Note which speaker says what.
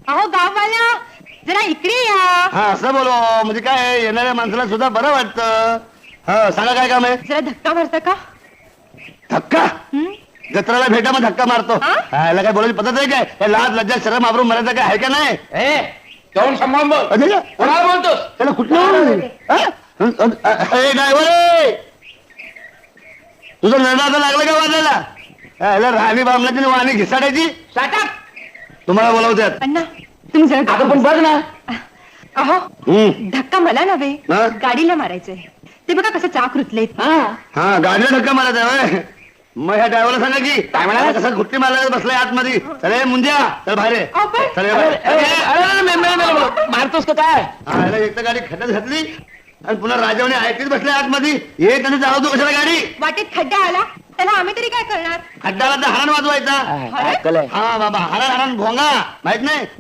Speaker 1: अहो गाववाल्या जरा इकडे या.
Speaker 2: हा असं बोलो म्हणजे काय येणाऱ्या माणसाला सुद्धा बरं वाटतं. हा सांगा काय काम आहे.
Speaker 1: जरा धक्का मारता का?
Speaker 2: धक्का
Speaker 1: हं?
Speaker 2: जत्राला भेटा मग धक्का मारतो.
Speaker 1: हा?
Speaker 2: हा, याला काय बोलायची पद्धत आहे काय. हे लाज लज्जा शरम आबरून मरायचं काय आहे का नाही.
Speaker 3: जाऊन सांभाळून बोल.
Speaker 2: अरे,
Speaker 3: कोणाला बोलतोस?
Speaker 2: त्याला कुठलं ड्रायव्हर तुझं नरडाचं लागलं का वाजायला. याला राणी बामणाची वाणी घिसाडायची.
Speaker 3: साठा
Speaker 2: तुम्हाला बोलावत्यात.
Speaker 1: अण्णा तुम्ही जरा
Speaker 3: आता पण बघ ना.
Speaker 1: अहो धक्का मला नव्हे
Speaker 2: हा?
Speaker 1: गाडीला मारायचंय. ते बघा कसं चाक रुतलेत.
Speaker 2: हा गाडीला धक्का मारायचा होय. मग ह्या ड्रायव्हरला सांगा की
Speaker 3: काय म्हणाला?
Speaker 2: कसं घुट्टी मारायला बसलाय आतमध्ये. चले मुंज्या चल बाहेर ये.
Speaker 1: अहो, पण-
Speaker 2: चल ये बाहेर.
Speaker 3: मारतोस का काय?
Speaker 2: हा, याला एक तर गाडी खड्ड्यात घातली आणि पुन्हा राजावने ऐकलीच बसले आतमध्ये. ये त्याने चालवतो कशाला गाडी.
Speaker 1: वाटेत खड्डा आला त्याला आम्ही तरी काय करणार.
Speaker 2: खड्डाला तर हरण वाजवायचा.
Speaker 3: काय कलय?
Speaker 2: हा बाबा हरण हरण भोंगा माहित नाही.